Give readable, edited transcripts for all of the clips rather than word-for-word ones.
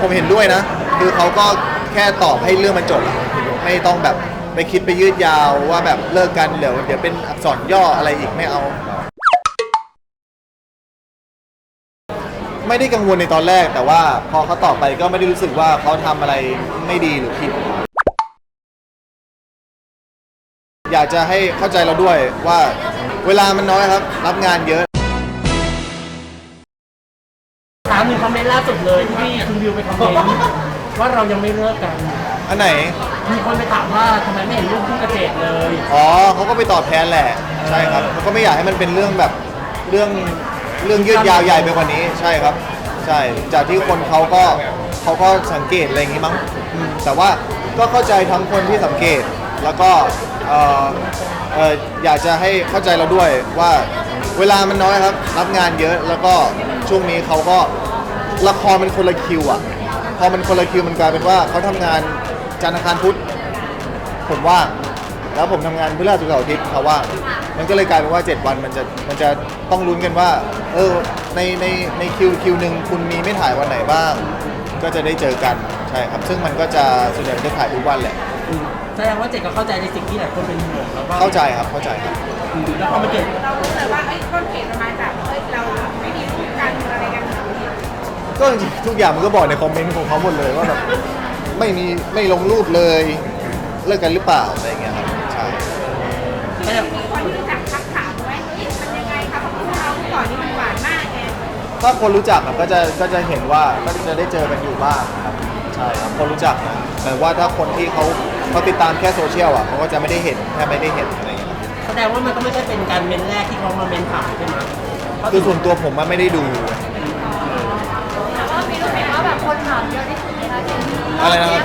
ผมเห็นด้วยนะคือเขาก็แค่ตอบให้เรื่องมันจบอะไม่ต้องแบบไปคิดไปยืดยาวว่าแบบเลิกกันเดี๋ยวเป็นอักษรย่ออะไรอีกไม่เอาไม่ได้กังวลในตอนแรกแต่ว่าพอเขาตอบไปก็ไม่ได้รู้สึกว่าเขาทำอะไรไม่ดีหรือผิดอยากจะให้เข้าใจเราด้วยว่าเวลามันน้อยครับรับงานเยอะถามหนึ่งคอมเมนต์ล่าสุดเลยที่คุณวิวไปคอมเมนต์ว่าเรายังไม่เลิกกันอันไหนมีคนไปถามว่าทำไมไม่เห็นรูปคู่กระเจดเลยอ๋อเขาก็ไปตอบแทนแหละใช่ครับเขาก็ไม่อยากให้มันเป็นเรื่องแบบเรื่องยืดยาวใหญ่ไปกว่านี้ใช่ครับใช่จากที่คนเขาก็สังเกตอะไรอย่างงี้มั้งแต่ว่าก็เข้าใจทั้งคนที่สังเกตแล้วก็อยากจะให้เข้าใจเราด้วยว่าเวลามันน้อยครับรับงานเยอะแล้วก็ช่วงนี้เขาก็ละครมันคนละคิวอ่ะพอมันคนละคิวมันกลายเป็นว่าเขาทำงานจันทร์อังคารพุธผมว่างแล้วผมทำงานพฤหัสศุกร์เสาร์อาทิตย์เขาว่างมันก็เลยกลายเป็นว่า7วันมันจะต้องลุ้นกันว่าในคิวหนึ่งคุณมีไม่ถ่ายวันไหนบ้างก็จะได้เจอกันใช่ครับซึ่งมันก็จะส่วนใหญ่จะถ่ายทุกวันแหละแสดงว่าเจดก็เข้าใจในสิ่งที่หลายคนเป็นห่วงแล้วก็เข้าใจครับแล้วพอมาเกิดเรารู้เลยว่าต้นเหตุมาจากเราไม่มีรูปกันอะไรกันก็จริงทุกอย่างมันก็บอกในคอมเมนต์ของเขาหมดเลยว่าแบบไม่ลงรูปเลยเลิกกันหรือเปล่าอะไรอย่างเงี้ยครับใช่มีคนรู้จักทักถามไหมมันยังไงคะเพราะคู่เราก่อนนี่มันหวานมากไงถ้าคนรู้จักก็จะเห็นว่าก็จะได้เจอกันอยู่บ้างครับใช่ครับคนรู้จักนะแต่ว่าถ้าคนที่เขาติดตามแค่โซเชียลอ่ะเขาก็จะไม่ได้เห็นแค่ไม่ได้เห็นอะไรอย่างเงี้ยแสดงว่ามันก็ไม่ใช่เป็นการเมนแรกที่เขามาเมนถามใช่ไหมคือส่วนตัวผมมันไม่ได้ดูแต่ว่ามีรู้ไหมว่าแบบคนถามเยอะที่สุดนะคะอะไรนะครับ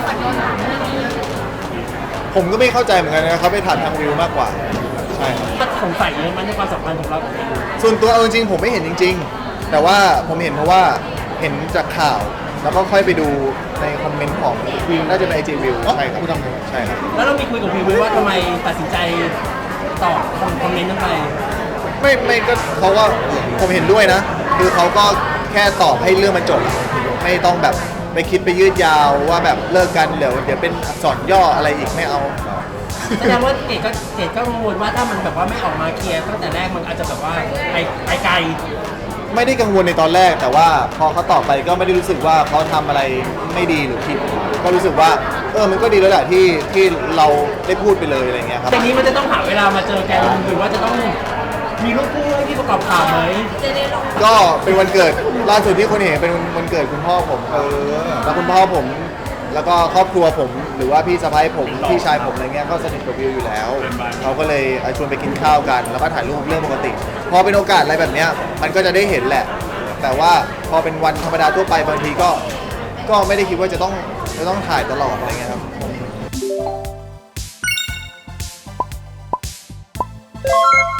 ผมก็ไม่เข้าใจเหมือนกันนะเขาไปถามทางวิวมากกว่าใช่ครับถ้าสงสัยเลยมันในความสัมพันธ์ของเราส่วนตัวจริงๆผมไม่เห็นจริงๆแต่ว่าผมเห็นเพราะว่าเห็นจากข่าวแล้วก็ค่อยไปดูในคอมเมนต์ของวิวน่าจะเป็นไอจีวิวใช่ครับใช่ครับแล้วเรามีคุยกับวิวว่าทำไมตัดสินใจตอบคอมเมนต์นั้นไปไม่ก็เขาก็ผมเห็นด้วยนะคือเขาก็แค่ตอบให้เรื่องมันจบไม่ต้องแบบไปคิดไปยืดยาวว่าแบบเลิกกันเดี๋ยวเป็นอักษรย่ออะไรอีกไม่เอาแสดงว่าเกดก็กังวลว่าถ้ามันแบบว่าไม่ออกมาเคลียร์ตั้งแต่แรกมันอาจจะแบบว่าไปไกลไม่ได้กังวลในตอนแรกแต่ว่าพอเขาตอบไปก็ไม่ได้รู้สึกว่าเขาทำอะไรไม่ดีหรือผิดก็รู้สึกว่ามันก็ดีแล้วแหละที่เราได้พูดไปเลยอะไรเงี้ยครับแต่นี้มันจะต้องหาเวลามาเจอกันหรือว่าจะต้องมีรูปคู่ให้ที่ประกอบข่าวไหมก็เป็นวันเกิดล่าสุดที่คนเห็นเป็นวันเกิดคุณพ่อผมแล้วคุณพ่อผมแล้วก็ครอบครัวผมหรือว่าพี่สะใภ้ผมพี่ชายผมอะไรเงี้ยก็สนิทกับวิวอยู่แล้วเขาก็เลยชวนไปกินข้าวกันแล้วก็ถ่ายรูปเรื่องปกติพอเป็นโอกาสอะไรแบบเนี้ยมันก็จะได้เห็นแหละแต่ว่าพอเป็นวันธรรมดาทั่วไปบางทีก็ไม่ได้คิดว่าจะต้องถ่ายตลอดอะไรเงี้ยครับ